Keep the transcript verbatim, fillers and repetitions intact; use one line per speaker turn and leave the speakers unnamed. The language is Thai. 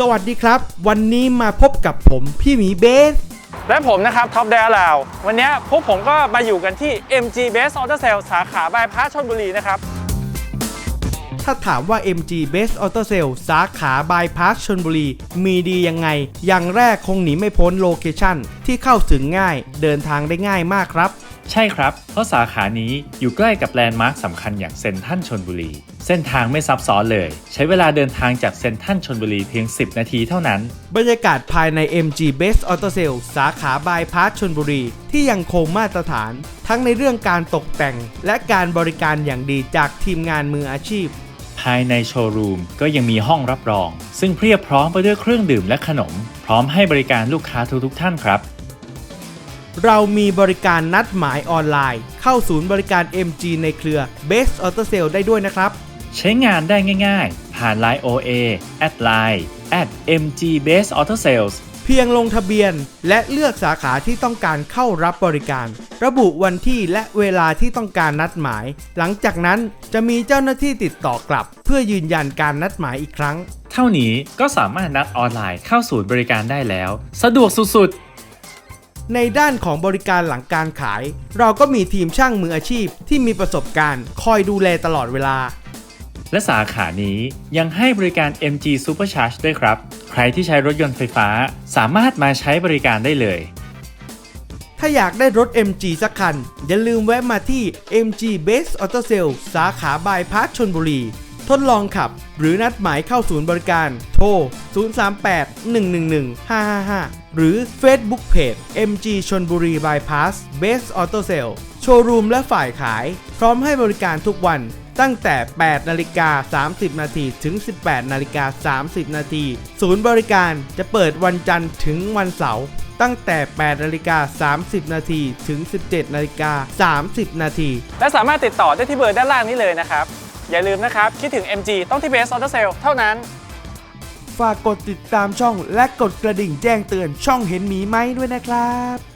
สวัสดีครับวันนี้มาพบกับผมพี่หมีเบส
และผมนะครับท็อปแดลาววันนี้พวกผมก็มาอยู่กันที่ เอ็ม จี Best Auto Sale สาขาบายพาสชลบุรีนะครับ
ถ้าถามว่า เอ็ม จี Best Auto Sale สาขาบายพาสชลบุรีมีดียังไงอย่างแรกคงหนีไม่พ้นโลเคชั่นที่เข้าถึงง่ายเดินทางได้ง่ายมากครับ
ใช่ครับเพราะสาขานี้อยู่ใกล้กับแลนด์มาร์คสำคัญอย่างเซ็นทรัลชลบุรีเส้นทางไม่ซับซ้อนเลยใช้เวลาเดินทางจากเซ็นทรัลชลบุรีเพียงสิบนาทีเท่านั้น
บรรยากาศภายใน เอ็ม จี Best Auto Sale สาขาบายพาสชลบุรีที่ยังคงมาตรฐานทั้งในเรื่องการตกแต่งและการบริการอย่างดีจากทีมงานมืออาชีพ
ภายในโชว์รูมก็ยังมีห้องรับรองซึ่งเพียบพร้อมไปด้วยเครื่องดื่มและขนมพร้อมให้บริการลูกค้าทุกๆท่านครับ
เรามีบริการนัดหมายออนไลน์เข้าศูนย์บริการ เอ็ม จี ในเครือ Best Auto Sale ได้ด้วยนะครับ
ใช้งานได้ง่ายๆผ่าน ไลน์ โอ เอ แอด ไลน์ แอท เอ็ม จี เบส ออโต้ เซลส์
เพียงลงทะเบียนและเลือกสาขาที่ต้องการเข้ารับบริการระบุวันที่และเวลาที่ต้องการนัดหมายหลังจากนั้นจะมีเจ้าหน้าที่ติดต่อกลับเพื่อยืนยันการนัดหมายอีกครั้ง
เท่านี้ก็สามารถนัดออนไลน์เข้าศูนย์บริการได้แล้วสะดวกสุด
ๆในด้านของบริการหลังการขายเราก็มีทีมช่างมืออาชีพที่มีประสบการณ์คอยดูแลตลอดเวลา
และสาขานี้ยังให้บริการ เอ็ม จี Supercharge ด้วยครับใครที่ใช้รถยนต์ไฟฟ้าสามารถมาใช้บริการได้เลย
ถ้าอยากได้รถ เอ็ม จี สักคันอย่าลืมแวะมาที่ เอ็ม จี Best Auto Sale สาขาบายพาสชลบุรีทดลองขับหรือนัดหมายเข้าศูนย์บริการโทรศูนย์ สาม แปด หนึ่ง หนึ่ง หนึ่ง ห้า ห้า ห้าหรือ Facebook Page เอ็ม จี ชลบุรี Bypass Best Auto Sale โชว์รูมและฝ่ายขายพร้อมให้บริการทุกวันตั้งแต่ แปดนาฬิกาสามสิบนาทีถึง สิบแปดนาฬิกาสามสิบนาทีศูนย์บริการจะเปิดวันจันทร์ถึงวันเสาร์ตั้งแต่ แปดนาฬิกาสามสิบนาทีถึง สิบเจ็ดนาฬิกาสามสิบนาที
และสามารถติดต่อได้ที่เบอร์ด้านล่างนี้เลยนะครับอย่าลืมนะครับคิดถึง เอ็ม จี ต้องที่ Best Auto Sale เท่านั้น
ฝากกดติดตามช่องและกดกระดิ่งแจ้งเตือนช่องเห็นหมีไหมด้วยนะครับ